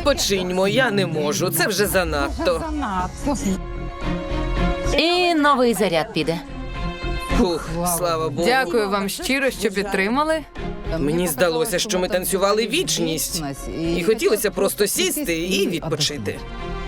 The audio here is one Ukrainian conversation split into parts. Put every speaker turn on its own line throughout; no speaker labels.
Відпочиньмо, я не можу, це вже занадто.
І новий заряд піде.
Фух, слава Богу.
Дякую вам щиро, що підтримали.
Мені здалося, що ми танцювали вічність. І хотілося просто сісти і відпочити.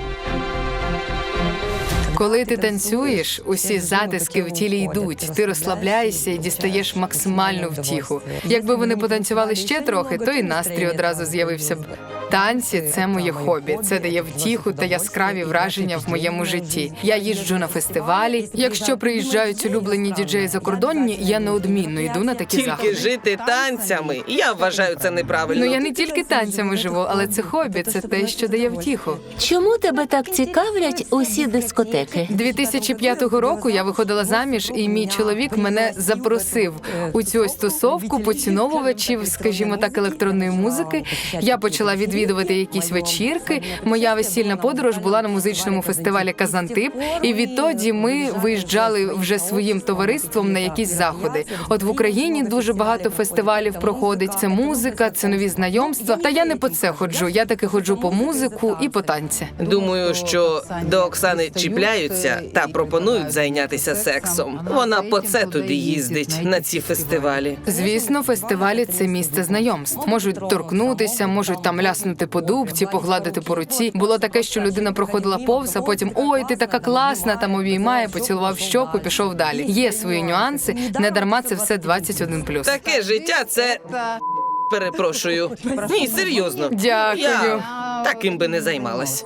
Коли ти танцюєш, усі затиски в тілі йдуть, ти розслабляєшся і дістаєш максимальну втіху. Якби вони потанцювали ще трохи, то і настрій одразу з'явився б. Танці – це моє хобі, це дає втіху та яскраві враження в моєму житті. Я їжджу на фестивалі. Якщо приїжджають улюблені діджеї закордонні, я неодмінно йду на такі
Тільки
заходи.
жити танцями. Я вважаю це неправильно.
Ну я не тільки танцями живу, але це хобі, це те, що дає втіху.
Чому тебе так цікавлять усі дискотеки?
2005 року я виходила заміж, і мій чоловік мене запросив у цю ось тусовку поціновувачів, скажімо так, електронної музики. Я почала відвідувати якісь вечірки. Моя весільна подорож була на музичному фестивалі «Казантип», і відтоді ми виїжджали вже своїм товариством на якісь заходи. От в Україні дуже багато фестивалів проходить. Це музика, це нові знайомства. Та я не по це ходжу, я таки ходжу по музику і по танці.
Думаю, що до Оксани чіпляються та пропонують зайнятися сексом. Вона по це туди їздить, на ці фестивалі.
Звісно, фестивалі – це місце знайомств. Можуть торкнутися, можуть там ляснути по дубці, погладити по руці. Було таке, що людина проходила повз, а потім «Ой, ти така класна», там обіймає, поцілував щоку, пішов далі. Є свої нюанси, не дарма це все 21+.
Таке життя – це... Перепрошую. Ні, серйозно.
Дякую.
Я таким би не займалась.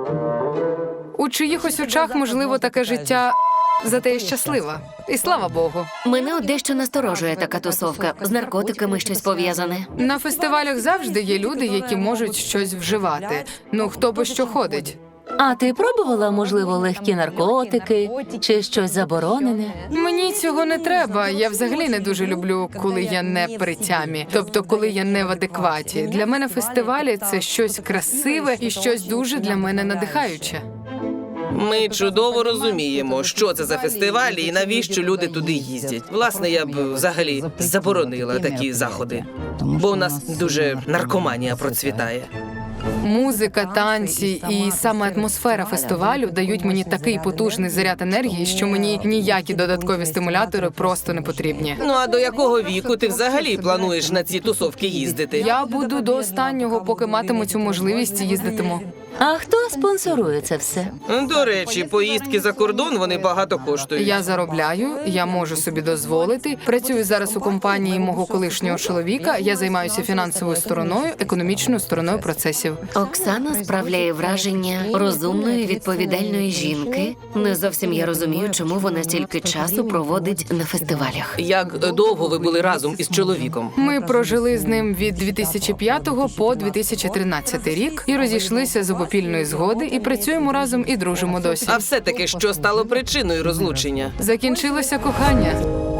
У чиїхось очах, можливо, таке життя, зате я щаслива. І слава Богу.
Мене от дещо насторожує така тусовка. З наркотиками щось пов'язане.
На фестивалях завжди є люди, які можуть щось вживати. Ну, хто по що ходить.
А ти пробувала, можливо, легкі наркотики чи щось заборонене?
Мені цього не треба. Я взагалі не дуже люблю, коли я не при тямі. Тобто, коли я не в адекваті. Для мене фестивалі – це щось красиве і щось дуже для мене надихаюче.
Ми чудово розуміємо, що це за фестивалі і навіщо люди туди їздять. Власне, я б взагалі заборонила такі заходи, бо у нас дуже наркоманія процвітає.
Музика, танці і саме атмосфера фестивалю дають мені такий потужний заряд енергії, що мені ніякі додаткові стимулятори просто не потрібні.
Ну а до якого віку ти взагалі плануєш на ці тусовки їздити?
Я буду до останнього, поки матиму цю можливість, їздитиму.
А хто спонсорує це все?
До речі, поїздки за кордон, вони багато коштують.
Я заробляю, я можу собі дозволити. Працюю зараз у компанії мого колишнього чоловіка. Я займаюся фінансовою стороною, економічною стороною процесів.
Оксана справляє враження розумної, відповідальної жінки. Не зовсім я розумію, чому вона стільки часу проводить на фестивалях.
Як довго ви були разом із чоловіком?
Ми прожили з ним від 2005 по 2013 рік і розійшлися з обопільної згоди, і працюємо разом і дружимо досі.
А все-таки, що стало причиною розлучення?
Закінчилося кохання.